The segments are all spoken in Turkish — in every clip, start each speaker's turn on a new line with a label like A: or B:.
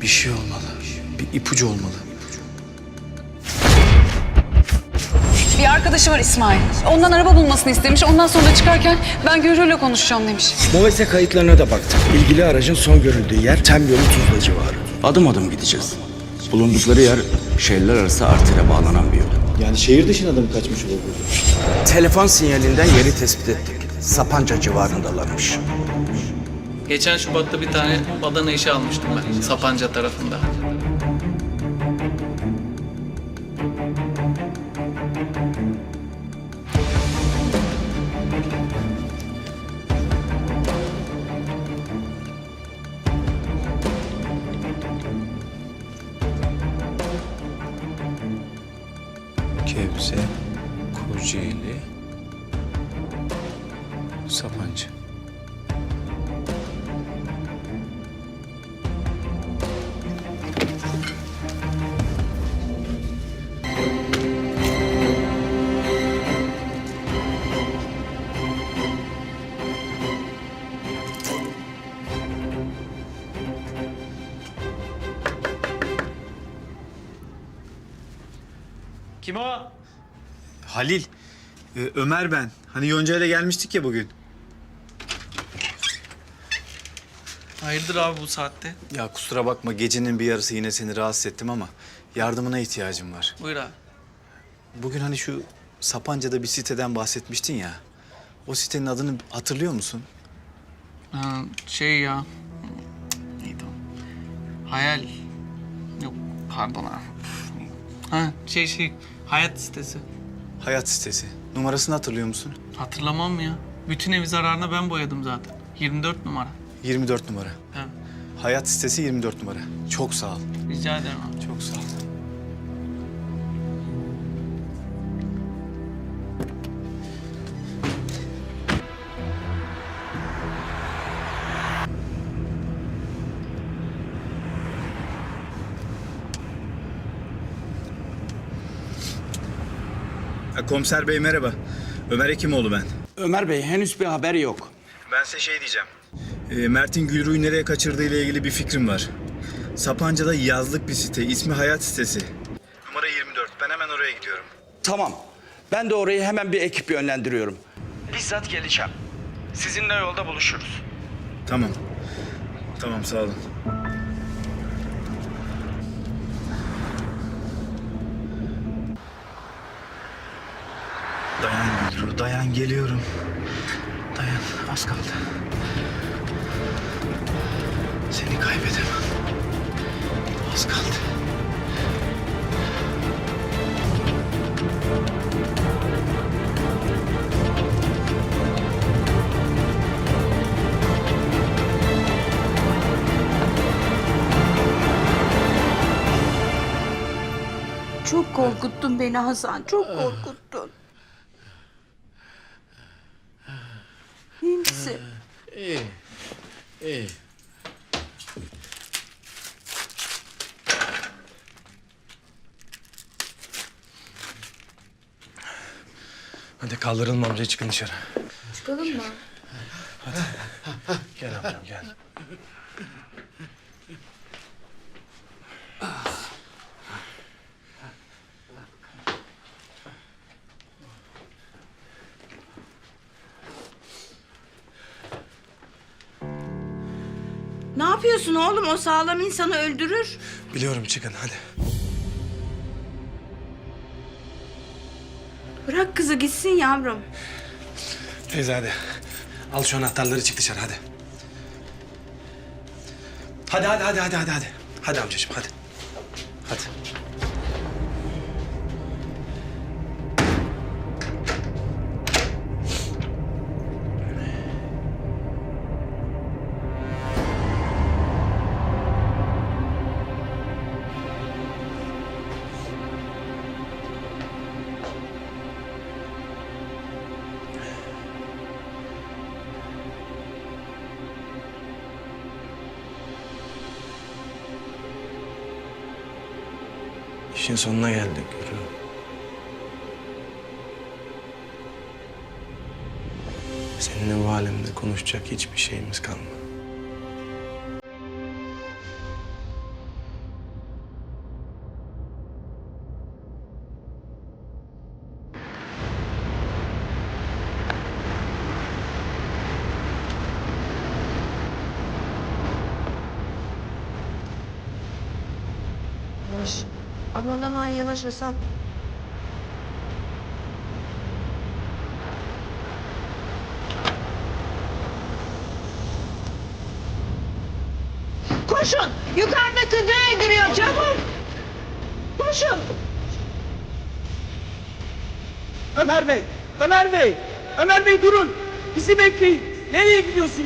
A: Bir şey olmalı. Bir ipucu olmalı.
B: Bir arkadaşı var İsmail. Ondan araba bulmasını istemiş. Ondan sonra da çıkarken ben Gürür'le konuşacağım demiş.
C: MOVESE kayıtlarına da baktık. İlgili aracın son görüldüğü yer Temyolu Tuzla civarı.
D: Adım adım gideceğiz. Bulundukları yer şehirler arası artıyla bağlanan bir yol.
E: Yani şehir dışına da mı kaçmış olabilir?
D: Telefon sinyalinden yeri tespit ettik. Sapanca civarındalarmış.
F: Geçen Şubat'ta bir tane badana işe almıştım ben Sapanca tarafında.
A: Gebze, Kocaeli, Sapanca.
F: Kim o?
G: Halil, Ömer ben. Hani Yonca ile gelmiştik ya bugün.
F: Hayırdır abi bu saatte?
G: Ya kusura bakma gecenin bir yarısı yine seni rahatsız ettim ama yardımına ihtiyacım var.
F: Buyur abi.
G: Bugün hani şu Sapanca'da bir siteden bahsetmiştin ya. O sitenin adını hatırlıyor musun?
F: Ha, şey ya. Neydi o? Hayal. Yok pardon abi. Ha Hayat sitesi.
G: Hayat sitesi. Numarasını hatırlıyor musun?
F: Hatırlamam mı ya? Bütün evi zararına ben boyadım zaten. 24 numara.
G: 24 numara.
F: Ha,
G: Hayat sitesi 24 numara. Çok sağ ol.
F: rica ederim abi.
G: Çok sağ ol. Komiser bey merhaba. Ömer Hekimoğlu ben.
D: Ömer Bey henüz bir haber yok.
G: Ben size şey diyeceğim. Mert'in Gülru'yu nereye kaçırdığı ile ilgili bir fikrim var. Sapanca'da yazlık bir site. İsmi Hayat sitesi. Numara 24. Ben hemen oraya gidiyorum.
D: Tamam. Ben de oraya hemen bir ekip yönlendiriyorum. Bizzat geleceğim. Sizinle yolda buluşuruz.
G: Tamam. Tamam sağ olun. Dayan Gülru, dayan geliyorum. Dayan, az kaldı. Seni kaybedemem. Az kaldı.
H: Çok korkuttun beni Hasan, çok korkuttun. İyi misin?
E: İyi.
C: Hadi kaldıralım amca, çıkın dışarı.
H: Çıkalım mı?
C: Gel amcam gel.
H: Ne yapıyorsun oğlum? O sağlam insanı öldürür.
C: Biliyorum, çıkın hadi.
H: Bırak kızı gitsin yavrum.
C: Teyze hadi. Al şu anahtarları, çık dışarı hadi. Hadi. Hadi amcacığım hadi. Hadi. İşin sonuna geldik Gülru. Seninle bu alemde konuşacak hiçbir şeyimiz kalmadı.
H: Yavaş. Aman aman yavaş Hasan. Koşun! Yukarıda kızı öldürüyor çabuk! Koşun!
I: Ömer Bey! Ömer Bey! Ömer Bey durun! Bizi bekleyin! Nereye gidiyorsunuz?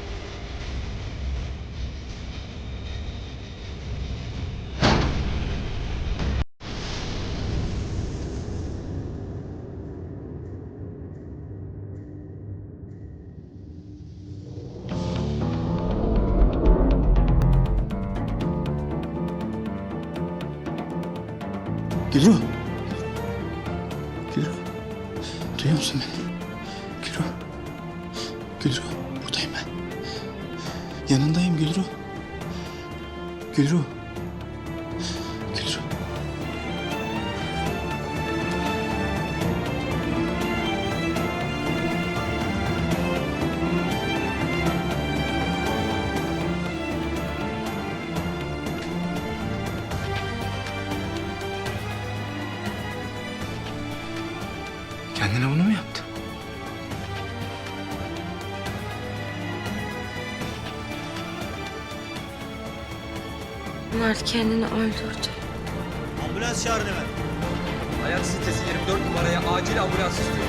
A: Gülru. Gülru. Duyuyor musun beni? Gülru. Gülru. Buradayım ben. Yanındayım Gülru. Gülru. Gülru. Kendine bunu mu yaptı?
H: Mert kendini öldürdü.
I: Ambulans çağırın hemen. Hayat sitesi 24 numaraya acil ambulans istiyor.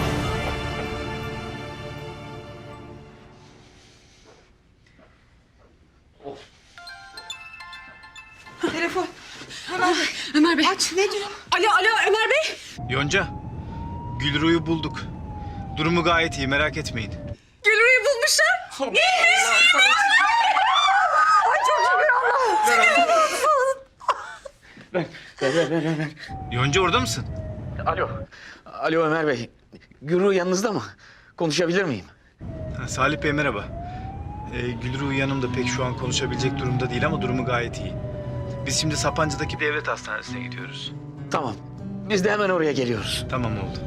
H: Telefon.
B: Ömer Bey.
H: Aç ne diyor?
B: Alo Ömer Bey.
G: Yonca, Gülru'yu bulduk. Durumu gayet iyi, merak etmeyin.
B: Gülru'yu bulmuşlar.
G: Yonca orada mısın?
J: Alo Ömer Bey. Gürü yanınızda mı? Konuşabilir miyim?
G: Ha, Salih Bey merhaba. Gülru yanımda pek şu an konuşabilecek durumda değil ama durumu gayet iyi. Biz şimdi Sapanca'daki devlet hastanesine gidiyoruz.
J: Tamam. Biz de hemen oraya geliyoruz.
G: Tamam oldu.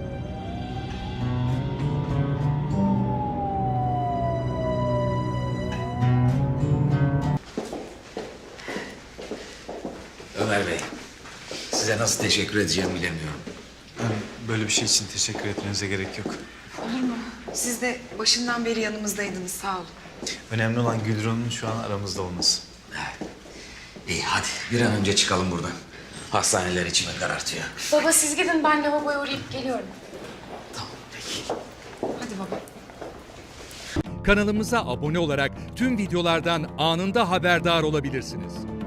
J: Ömer Bey. Size nasıl teşekkür edeceğimi bilemiyorum.
A: Böyle bir şey için teşekkür etmenize gerek yok.
K: Siz de başından beri yanımızdaydınız, sağ olun.
A: Önemli olan Gülru'nun şu an aramızda olması.
J: İyi hadi bir an önce çıkalım buradan. Hastaneler içime karartıyor.
K: Baba siz gidin, ben lavaboya uğrayıp geliyorum.
J: Tamam peki.
K: Hadi baba.
L: Kanalımıza abone olarak tüm videolardan anında haberdar olabilirsiniz.